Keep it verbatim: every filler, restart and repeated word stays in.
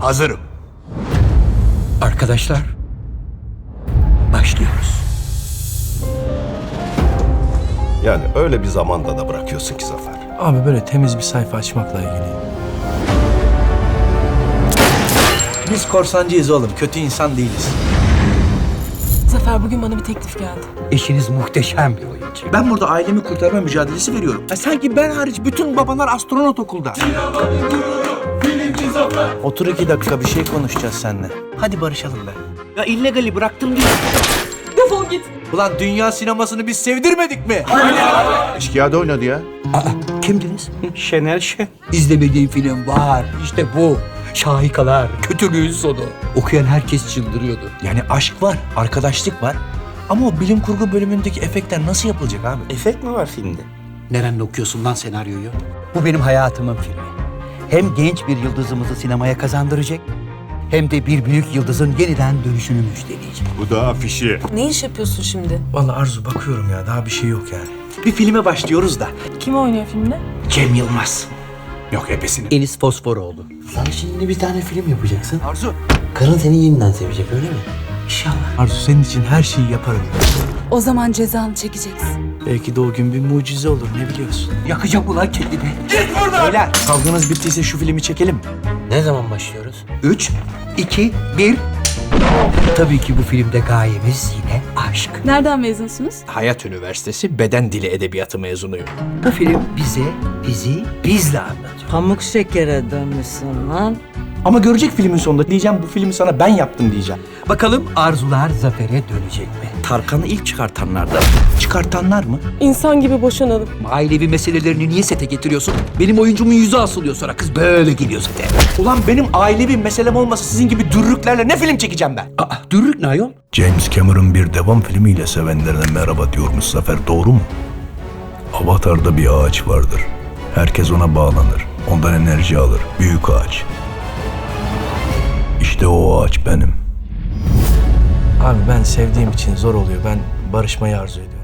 Hazırım. Arkadaşlar, başlıyoruz. Yani öyle bir zamanda da bırakıyorsun ki Zafer. Abi böyle temiz bir sayfa açmakla ilgili. Biz korsancıyız oğlum, kötü insan değiliz. Zafer, bugün bana bir teklif geldi. Eşiniz muhteşem bir oyuncu. Ben burada ailemi kurtarma mücadelesi veriyorum. Ya sanki ben hariç bütün babalar astronot okulda. Otur iki dakika, bir şey konuşacağız seninle. Hadi barışalım be. Ya illegali bıraktım diyor. Defol git. Ulan dünya sinemasını biz sevdirmedik mi? Eşkıya'da oynadı ya. Aa, kimdiniz? Şener Şen. İzlemediğim film var. İşte bu. Şahikalar, kötülüğün sonu. Okuyan herkes çıldırıyordu. Yani aşk var, arkadaşlık var. Ama o bilim kurgu bölümündeki efektler nasıl yapılacak abi? Efekt mi var filmde? Nereden okuyorsun lan senaryoyu? Bu benim hayatımın filmi. Hem genç bir yıldızımızı sinemaya kazandıracak, hem de bir büyük yıldızın yeniden dönüşünü müjdeleyecek. Bu da afişi. Ne iş yapıyorsun şimdi? Vallahi Arzu bakıyorum ya, daha bir şey yok yani. Bir filme başlıyoruz da. Kim oynuyor filmde? Cem Yılmaz. Yok ebesini. Enis Fosforoğlu. Sen şimdi bir tane film yapacaksın. Arzu. Karın seni yeniden sevecek öyle mi? İnşallah. Arzu, senin için her şeyi yaparım. O zaman cezanı çekeceksin. Belki de o gün bir mucize olur, ne biliyorsun? Yakacak ulan kendini. Beyler, kavganız bittiyse şu filmi çekelim. Ne zaman başlıyoruz? Üç, iki, bir. Tabii ki bu filmde gayemiz yine aşk. Nereden mezunsunuz? Hayat Üniversitesi Beden Dili Edebiyatı mezunuyum. Bu film bize bizi bizle anlatıyor. Pamuk şekere dönmüşsün lan. Ama görecek filmin sonunda diyeceğim, bu filmi sana ben yaptım diyeceğim. Bakalım arzular zafere dönecek mi? Tarkan'ı ilk çıkartanlardan. Çıkartanlar mı? İnsan gibi boşanalım. Ailevi meselelerini niye sete getiriyorsun? Benim oyuncumun yüzü asılıyor sonra, kız böyle geliyor sete. Ulan benim ailevi meselem olmasa sizin gibi dürrüklerle ne film çekeceğim ben? Aa, dürrük ne ayol? James Cameron bir devam filmiyle sevenlerine merhaba diyormuş Zafer, doğru mu? Avatar'da bir ağaç vardır. Herkes ona bağlanır. Ondan enerji alır. Büyük ağaç. İşte o ağaç benim. Abi ben sevdiğim için zor oluyor. Ben barışmayı arzu ediyorum.